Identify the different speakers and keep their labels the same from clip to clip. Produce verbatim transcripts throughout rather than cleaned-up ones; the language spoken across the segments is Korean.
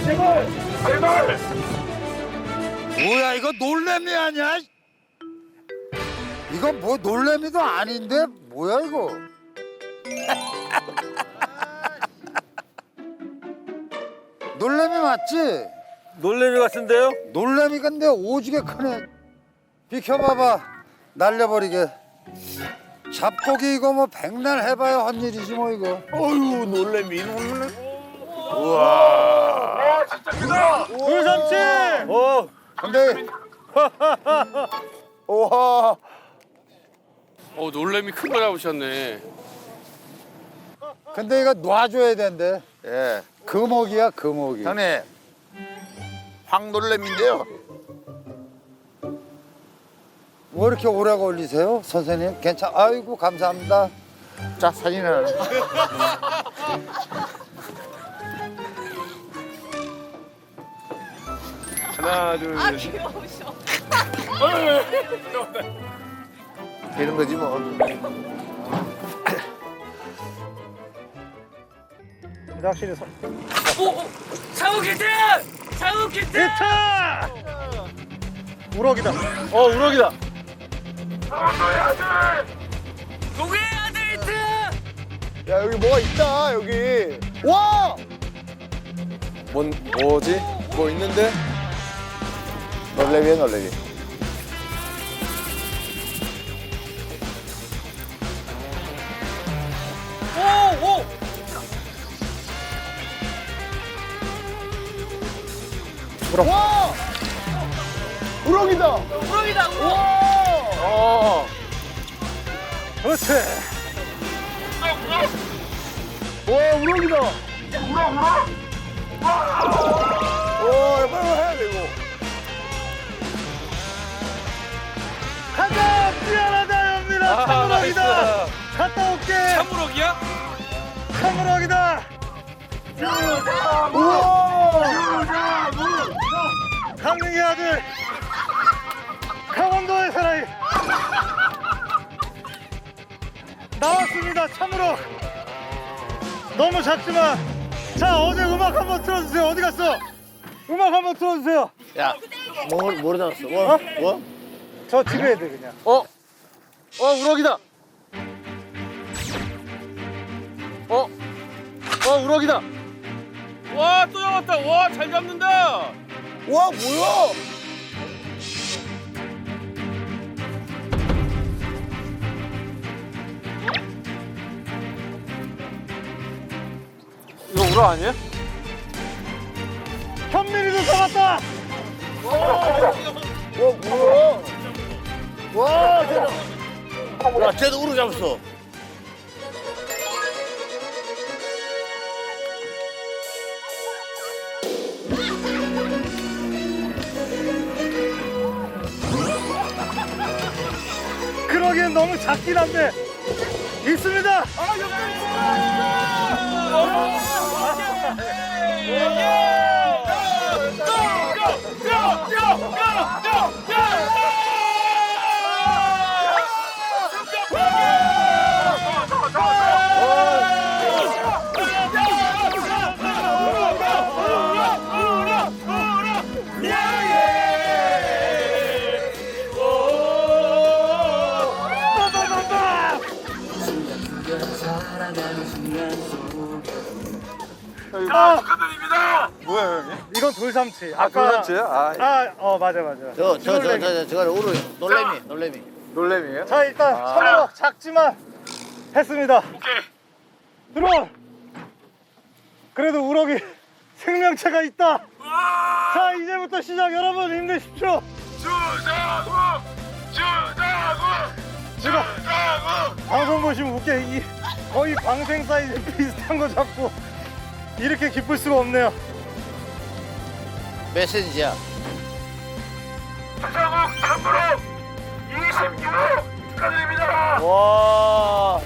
Speaker 1: 제발 제발.
Speaker 2: 뭐야 이거 놀래미 아니야? 이거 뭐 놀래미도 아닌데 뭐야 이거? 놀래미 맞지?
Speaker 3: 놀래미 같은데요?
Speaker 2: 놀래미 근데 오지게 크네. 비켜봐봐 날려버리게. 잡고기 이거 뭐 백날 해봐야 헛일이지 뭐 이거.
Speaker 3: 어휴 놀래미 놀래.
Speaker 1: 와 진짜 크다.
Speaker 3: 돌삼치. 어.
Speaker 2: 근데
Speaker 3: 우와.
Speaker 4: 어 놀래미 큰 거 잡으셨네.
Speaker 2: 근데 이거 놔줘야 된대.
Speaker 3: 예.
Speaker 2: 금어기야 금어기.
Speaker 3: 형님. 황놀래미인데요.
Speaker 2: 왜 이렇게 오래 걸리세요 선생님? 괜찮? 아이고 감사합니다.
Speaker 3: 자 사진을.
Speaker 4: 하나 둘.
Speaker 5: 아 귀여우셔.
Speaker 3: 되는 거지 뭐.
Speaker 6: 확실히 서...
Speaker 1: 오 상우 키트 상우 키트.
Speaker 6: 우럭이다. 어 우럭이다.
Speaker 1: 너의 아들. 누구의 아들 히트.
Speaker 3: 야 여기 뭐가 있다 여기. 와. 뭔 뭐지? 뭐 있는데? 놀래미야 놀래미.
Speaker 1: 오 오.
Speaker 3: 와. 우럭이다.
Speaker 1: 우럭이다 우럭.
Speaker 3: 어.
Speaker 6: 그렇지.
Speaker 3: 와 우럭이다.
Speaker 1: 우럭 우럭.
Speaker 3: 와 빨리 해야 돼 이거.
Speaker 6: 가자. 미안하다 연민아. 참우럭이다. 갔다 올게.
Speaker 4: 참우럭이야?
Speaker 6: 참우럭이다.
Speaker 3: 우와.
Speaker 6: 강릉의 아들. 강원도의 사나이. 나왔습니다. 참우럭. 너무 작지만. 자 어제 음악 한번 틀어주세요. 어디 갔어? 음악 한번 틀어주세요.
Speaker 3: 야, 뭐 뭐로 잡았어? 뭐? 뭐?
Speaker 6: 저 집에 해야 돼 그냥.
Speaker 3: 어? 어 우럭이다. 어? 어 우럭이다.
Speaker 4: 와 또 잡았다. 와 잘 잡는다.
Speaker 3: 와 뭐야?
Speaker 4: 이거 우럭 아니야?
Speaker 6: 현민이도 잡았다.
Speaker 3: 와 뭐야? 와 쟤도. 야 쟤도 우럭 잡았어.
Speaker 6: 그러기엔 너무 작긴 한데 있습니다. 아,
Speaker 1: 축하드립니다.
Speaker 3: 뭐야 형님?
Speaker 6: 이건 돌삼치.
Speaker 3: 아 돌잔치야? 아
Speaker 6: 아, 어 맞아 맞아.
Speaker 3: 저저저저 저거 우럭 놀래미 놀래미. 놀래미예요?
Speaker 6: 자 일단
Speaker 3: 아.
Speaker 6: 참으로 작지만 했습니다.
Speaker 1: 오케이.
Speaker 6: 들어. 그래도 우럭이 생명체가 있다. 자 이제부터 시작. 여러분 힘내십시오.
Speaker 1: 주장우 주장우
Speaker 6: 제가
Speaker 1: 주장우.
Speaker 6: 방송 보시면 웃게 이 거의 방생 사이즈 비슷한 거 잡고 이렇게 기쁠 수가 없네요.
Speaker 3: 메시지야.
Speaker 1: 주장우 참으로 이십육 호 축하드립니다.
Speaker 3: 와.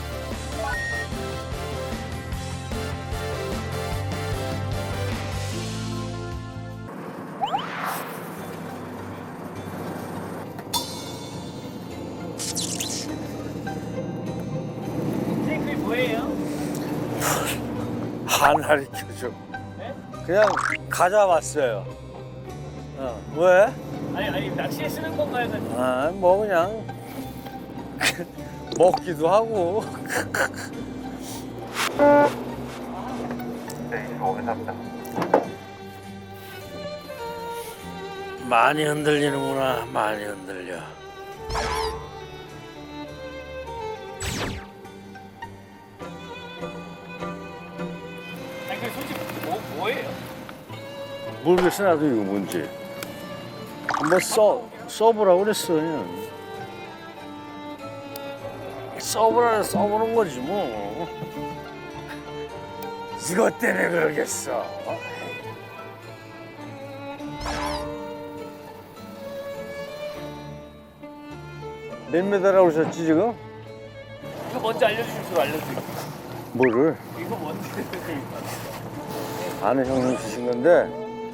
Speaker 6: 안 가르쳐줘. 그냥 가져왔어요. 어, 왜?
Speaker 1: 아니 아니 낚시에 쓰는 건가요?
Speaker 6: 아, 뭐 그냥 먹기도 하고. 많이 흔들리는구나. 많이 흔들려.
Speaker 1: 아니 그 솔직히 뭐 뭐예요?
Speaker 6: 모르겠어 나도 이거 뭔지. 한번 써 써보라고 그랬어 그냥. 써보라는 써보는 거지 뭐. 이것 때문에 그러겠어. 몇 메달이라고 그러셨지 지금?
Speaker 1: 이거 먼저 알려주실 줄 알려드릴게요.
Speaker 6: 뭐를?
Speaker 1: 이거 뭔지.
Speaker 6: 아는 형님 주신 건데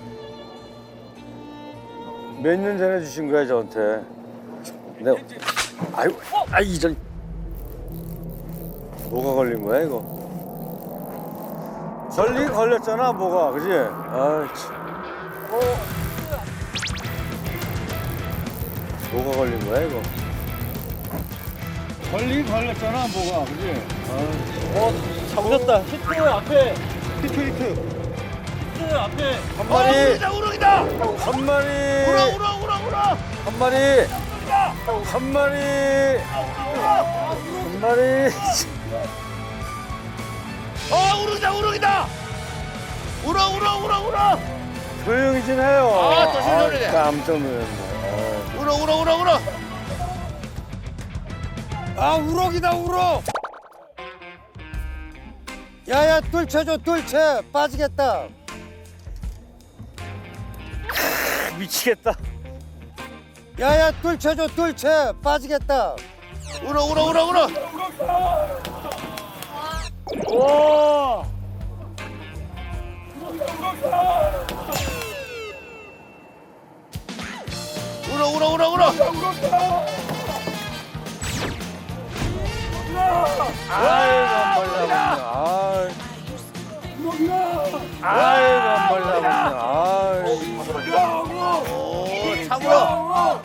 Speaker 6: 몇 년 전에 주신 거야 저한테. 내가 아유 아 이전 뭐가 걸린 거야 이거? 걸리 걸렸잖아 뭐가 그지? 아 참. 뭐가 걸린 거야 이거? 걸리 걸렸잖아 뭐가 그지?
Speaker 1: 어 잡으셨다. 히트 앞에.
Speaker 6: 히트 히트
Speaker 1: 히트 앞에.
Speaker 6: 한 마리
Speaker 3: 우럭이다 우럭이다.
Speaker 6: 한 마리
Speaker 3: 우럭 우럭 우럭 우럭.
Speaker 6: 한 마리 한 마리 한 마리
Speaker 3: 어 우럭이다 우럭이다. 우럭 우럭 우럭 우럭.
Speaker 6: 조용히 좀 해요.
Speaker 3: 아, 또 신선하네.
Speaker 6: 아, 깜짝 놀랐네.
Speaker 3: 우럭 우럭 우럭 우럭.
Speaker 2: 아 우럭이다 우럭. 야야 뚫쳐줘 뚫쳐 빠지겠다.
Speaker 6: 아, 미치겠다.
Speaker 2: 야야 뚫쳐줘 뚫쳐 빠지겠다.
Speaker 3: 우럭 우럭 우럭 우럭.
Speaker 6: 와.
Speaker 3: 우럭 우럭 우럭 우럭.
Speaker 6: 아이고 안 말라붙네. 아이고 안 말라붙네. 아이고.
Speaker 3: 오 참으로.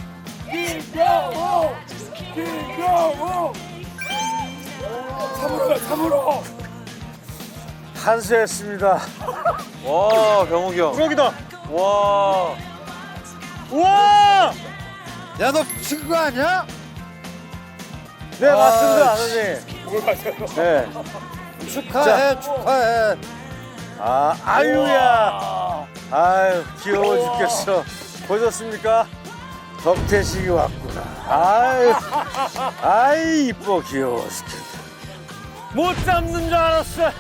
Speaker 6: 한수했습니다. 와 병욱이 형. 우럭이다. 와. 우와.
Speaker 2: 야너 미친 거 아니야?
Speaker 6: 네
Speaker 2: 아,
Speaker 6: 맞습니다 아버님. 뭘 맞아요? 네.
Speaker 2: 축하해 축하해.
Speaker 6: 아 아유야. 아유 귀여워 죽겠어. 보셨습니까? 덕태식이 왔구나. 아유, 아이 이뻐 귀여워 죽겠다. 못 잡는 줄 알았어요.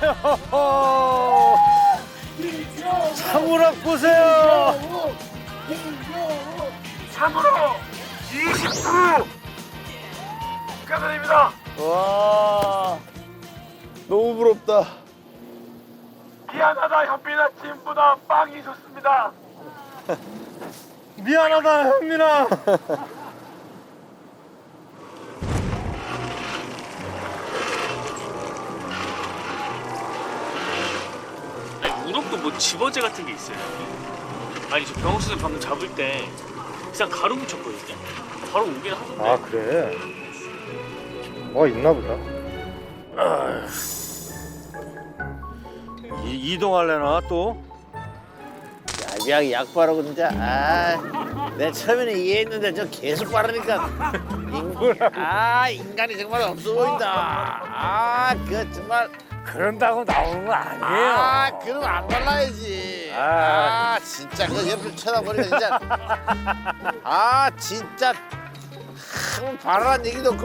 Speaker 6: 참으락 보세요.
Speaker 1: 참으로 이십구. 축하드립니다.
Speaker 3: 와 너무 부럽다.
Speaker 1: 미안하다 현빈아 팀보다 빵이 좋습니다.
Speaker 6: 미안하다 현민아.
Speaker 5: 아니, 우럭도 뭐 집어제 같은 게 있어요. 아니 저 병욱 선생 방금 잡을 때 그냥 가루 묻혔거든요. 바로 오긴 하던데.
Speaker 6: 아 그래? 뭐 있나 보다. 이, 이동할래나 또?
Speaker 3: 약, 약 바르고 진짜 아, 내 처음에는 이해했는데 저 계속 바르니까 인, 아 인간이 정말 없어 보인다. 아 그 정말
Speaker 6: 그런다고 나오는 거 아니에요.
Speaker 3: 아 그럼 안 발라야지.
Speaker 6: 아.
Speaker 3: 아 진짜 그 옆을 쳐다보니까 진짜 아 진짜 한번 바르란 얘기도 없고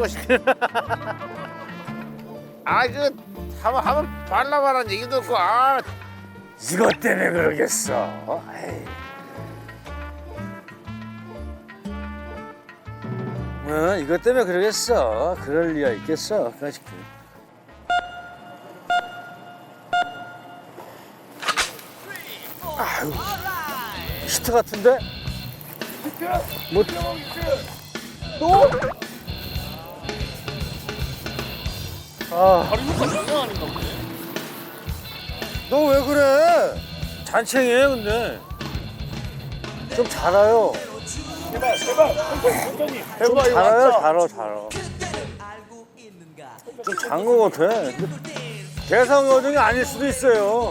Speaker 3: 아그 한번 한번 발라봐란 얘기도 없고 아.
Speaker 6: 이것 때문에 그러겠어. 에이. 어, 이것 때문에 그러겠어. 그럴 리가 있겠어. 그렇지. 아유, 히트 같은데? 뭐 또? 아,
Speaker 5: 바로 효과 장난 아닌가 보네.
Speaker 2: 너 왜 그래?
Speaker 6: 잔챙이에요 근데 좀 잘아요.
Speaker 5: 제발 제발 원장님.
Speaker 6: 좀 잘아요 잘아 잘아. 좀 잔거 같아. 대상 여정이 아닐 수도 있어요.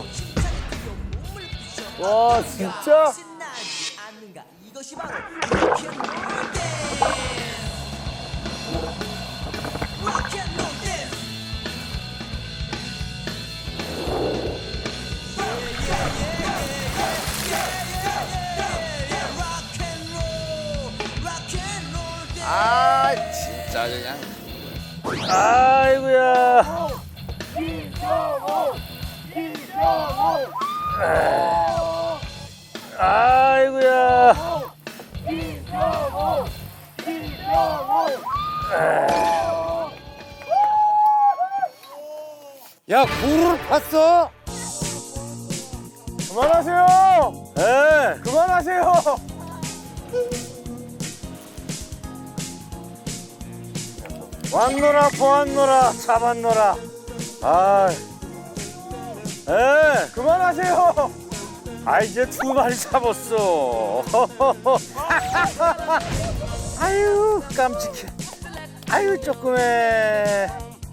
Speaker 6: 와 진짜?
Speaker 3: 아 진짜 그냥.
Speaker 6: 아이고야. 아이고야.
Speaker 2: 야 구를 팠어?
Speaker 6: 그만하세요. 예. 그만하세요. 왔노라 보았노라 잡았노라. 아, 에 그만하세요. 아 이제 두 마리 잡았어. 아유 깜찍해. 아유 조그매.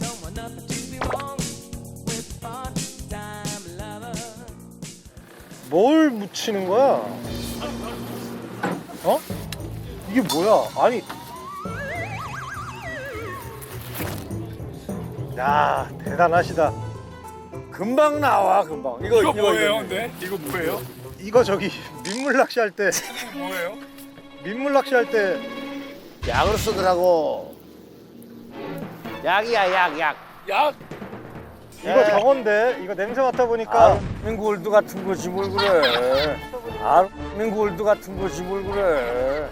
Speaker 6: 뭘 묻히는 거야? 어? 이게 뭐야? 아니. 야 대단하시다. 금방 나와 금방. 이거
Speaker 4: 이거 뭐예요,
Speaker 6: 이거.
Speaker 4: 근데? 이거 뭐예요?
Speaker 6: 이거 저기 민물 낚시할 때
Speaker 4: 뭐예요?
Speaker 6: 민물 낚시할 때
Speaker 3: 약으로 쓰더라고. 약이야 약 약.
Speaker 4: 약.
Speaker 6: 이거 저건데 이거 냄새 맡아 보니까 민골드 같은 거지 뭘 그래. 아 민골드 같은 거지 뭘 그래.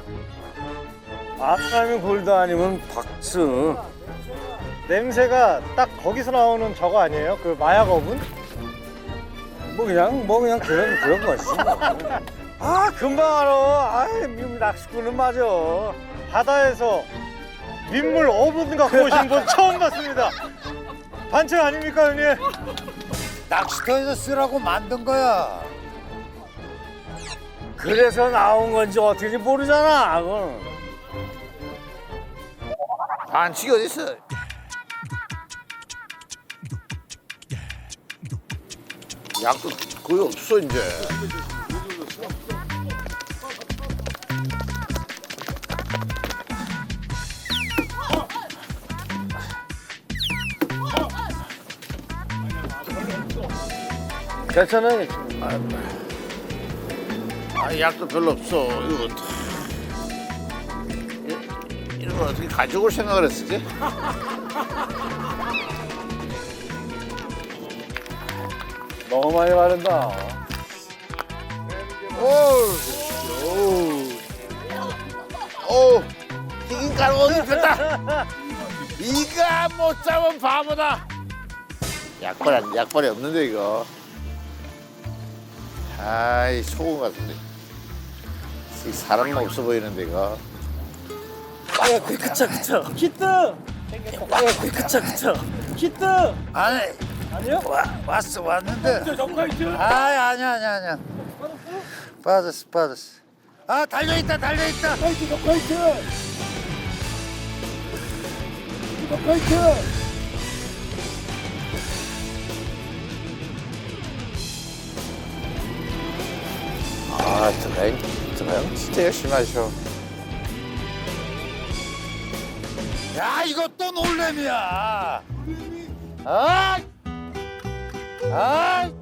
Speaker 6: 아까면 골드 아니면 박스. 냄새가 딱 거기서 나오는 저거 아니에요? 그 마약 어분? 뭐 그냥 뭐 그냥 그런 그런 거지. 아 금방 알아. 아 민물 낚시꾼은 맞아. 바다에서 민물 어분 갖고 오신 분 처음 봤습니다. 반칙 아닙니까 형님?
Speaker 2: 낚시터에서 쓰라고 만든 거야.
Speaker 6: 그래서 나온 건지 어떻게인지 모르잖아. 그건.
Speaker 3: 반칙이 어딨어? 약도 거의 없어 이제.
Speaker 6: 괜찮아요.
Speaker 3: 아 약도 별로 없어. 이거 어떡- 이- 이런 걸 어떻게 가져올 생각을 했었지?
Speaker 6: 너무 많이 바른다.
Speaker 3: 오, 튀긴 가루 어디 폈다. 이가 못 잡은 바보다. 약벌 약벌이 없는데 이거. 아이 소금 같은데. 이 사람 없어 보이는데 이거.
Speaker 1: 야, 그 그쵸 그쵸.
Speaker 6: 히트!
Speaker 1: 야, 그 그쵸 그쵸.
Speaker 6: 히트!
Speaker 2: 아니
Speaker 6: 아니요?
Speaker 2: 와, 왔어 왔는데.
Speaker 4: 정카이트.
Speaker 2: 아이 아니야 아니야 아니야. 빠졌어 빠졌어. 아 달려 있다 달려 있다.
Speaker 4: 카이트 정카이트. 정카이트.
Speaker 3: 아, 저가형, 저가형 진짜 열심히 하셔.
Speaker 2: 야 이거 또 놀래미야. 아, 아,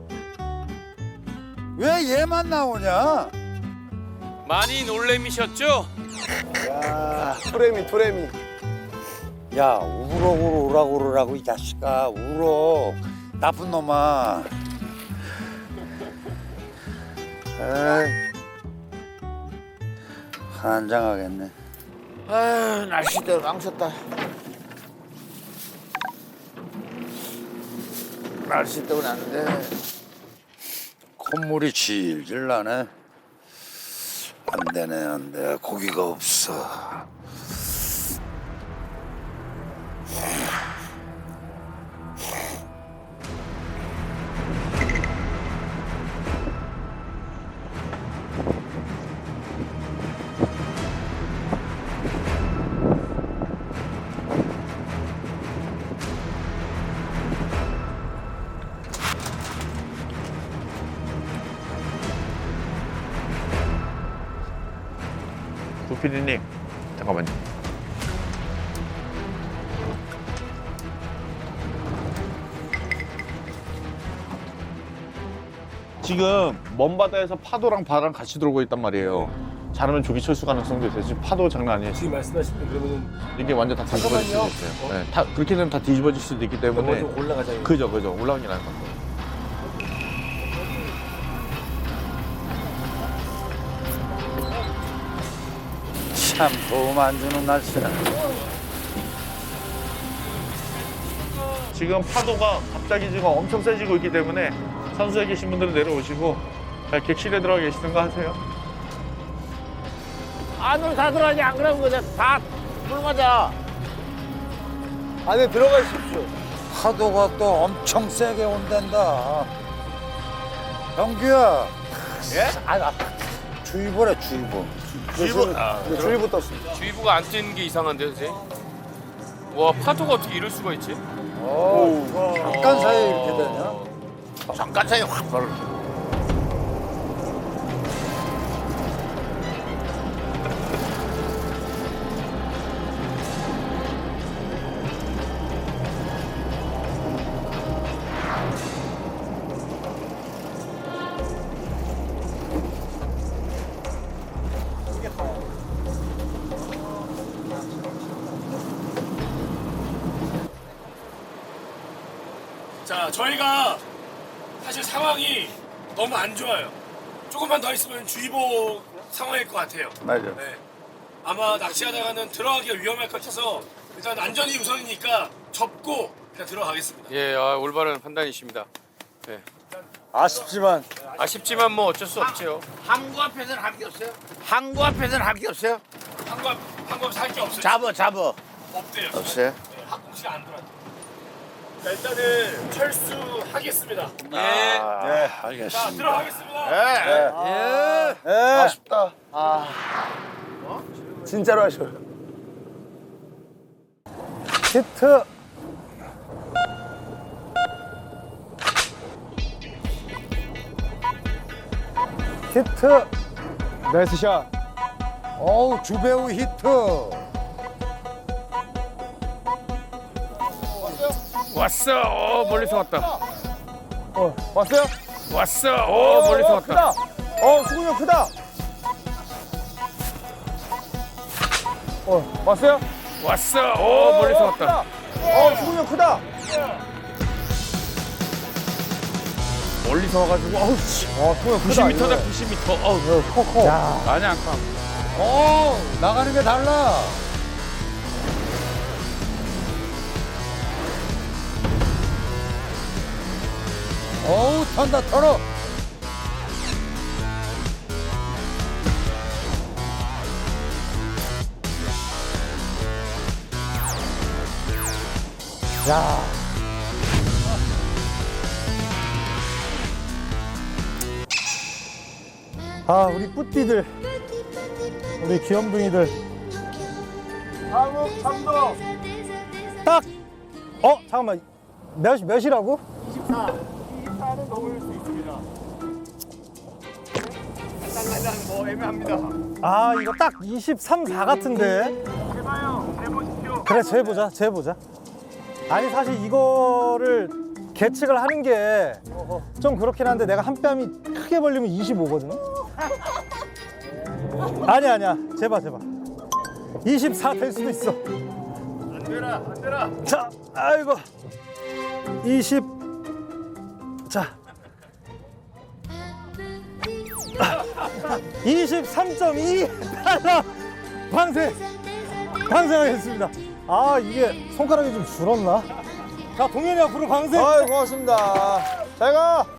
Speaker 2: 왜 얘만 나오냐?
Speaker 4: 많이 놀래미셨죠?
Speaker 6: 토레미 토레미. 야 우럭으로 오라고 그러라고 이 자식아. 우럭.
Speaker 2: 나쁜 놈아. 에이, 환장하겠네.
Speaker 3: 아유, 날씨대로 망쳤다. 날씨 때문에 안 돼.
Speaker 2: 콧물이 질질 나네. 안 되네 안 돼. 고기가 없어.
Speaker 3: 구피디님 잠깐만요. 지금 먼 바다에서 파도랑 바다랑 같이 들어오고 있단 말이에요. 잘하면 조기 철수 가능성도 있어요. 지금 파도 장난 아니에요.
Speaker 1: 지금 말씀하신 그러면은
Speaker 3: 이게 완전 다 뒤집어질 수도 있어요. 네, 다, 그렇게 되면 다 뒤집어질 수도 있기 때문에
Speaker 1: 좀 올라가자.
Speaker 3: 그죠 그죠 올라가는 게 나을 것 같아요.
Speaker 2: 참 도움 안 주는 날씨라.
Speaker 3: 지금 파도가 갑자기 지금 엄청 세지고 있기 때문에 선수에 계신 분들은 내려오시고 자, 객실에 들어가 계시든가 하세요. 안으로 다 들어가지 안 그러면 그냥 다물 맞아.
Speaker 6: 안에 들어가 있십시오.
Speaker 2: 파도가 또 엄청 세게 온단다. 영규야.
Speaker 3: 예?
Speaker 2: 아, 아, 주의보래 주의보.
Speaker 3: 주의보. 아,
Speaker 6: 네, 주의보 떴습니다.
Speaker 4: 주의보가 안 뜨는 게 이상한데요, 선생님? 와, 파도가 어떻게 이럴 수가 있지?
Speaker 2: 오, 잠깐 사이에 이렇게 되냐?
Speaker 3: 잠깐 사이에 확 벌어.
Speaker 1: 자, 저희가 사실 상황이 너무 안 좋아요. 조금만 더 있으면 주의보 상황일 것 같아요.
Speaker 2: 맞아.
Speaker 1: 네. 아마 낚시하다가는 들어가기가 위험할 것 같아서 일단 안전이 우선이니까 접고 그냥 들어가겠습니다.
Speaker 4: 예, 아, 올바른 판단이십니다. 네.
Speaker 6: 아쉽지만
Speaker 4: 아쉽지만 뭐 어쩔 수 없죠.
Speaker 3: 항구 앞에서는 할 게 없어요? 항구 앞에서는 할 게 없어요?
Speaker 1: 한국 한국 살게 없어요.
Speaker 3: 잡어 잡어.
Speaker 1: 없대요.
Speaker 3: 없어요?
Speaker 1: 네, 항공시가 안 들어왔대요. 자, 일단은 철수하겠습니다.
Speaker 4: 예.
Speaker 3: 네,
Speaker 1: 자,
Speaker 3: 알겠습니다.
Speaker 1: 들어가겠습니다.
Speaker 3: 네.
Speaker 2: 예.
Speaker 6: 예.
Speaker 3: 아쉽다.
Speaker 6: 진짜로 하셔요. 히트. 히트. 나이스 샷.
Speaker 2: 어우, 주배우 히트.
Speaker 4: 왔어. 어, 멀리서 왔다.
Speaker 6: 어, 왔어요?
Speaker 4: 왔어. 어, 멀리서 왔다.
Speaker 6: 크다. 어, 수근이 형 크다. 어, 왔어요?
Speaker 4: 왔어. 어, 멀리서 왔다.
Speaker 6: 크다. 어, 수근이 형 크다.
Speaker 4: 멀리서 와가지고 어우 씨.
Speaker 6: 어, 수근이 형 크다.
Speaker 4: 구십 미터다
Speaker 6: 이거.
Speaker 4: 구십 미터. 어우.
Speaker 6: 커, 커. 야.
Speaker 4: 아니 안 까.
Speaker 2: 어, 나가는 게 달라. 어우, 턴다, 털어.
Speaker 6: 야. 아, 우리 뿌띠들. 우리 귀염둥이들. 다음 참도. 딱. 어, 잠깐만. 몇 몇이라고? 이십사. 이십사는 넘을 수 있습니다. 간당간당 뭐 애매합니다. 아, 이거 딱 이십삼, 사 같은데. 해봐요. 해보십시오. 그래, 재보자. 재보자. 아니 사실 이거를 계측을 하는 게 좀 그렇긴 한데 내가 한 뺨이 크게 벌리면 이십오거든. 아니 아니야. 재봐 재봐. 이십사 될 수도 있어. 안 되라 안 되라. 자, 아이고. 이십. 자. 이십삼 점 이 달러 방생 방생하겠습니다. 아, 이게 손가락이 좀 줄었나? 자, 동현이 앞으로 방생. 아이, 고맙습니다. 잘 가.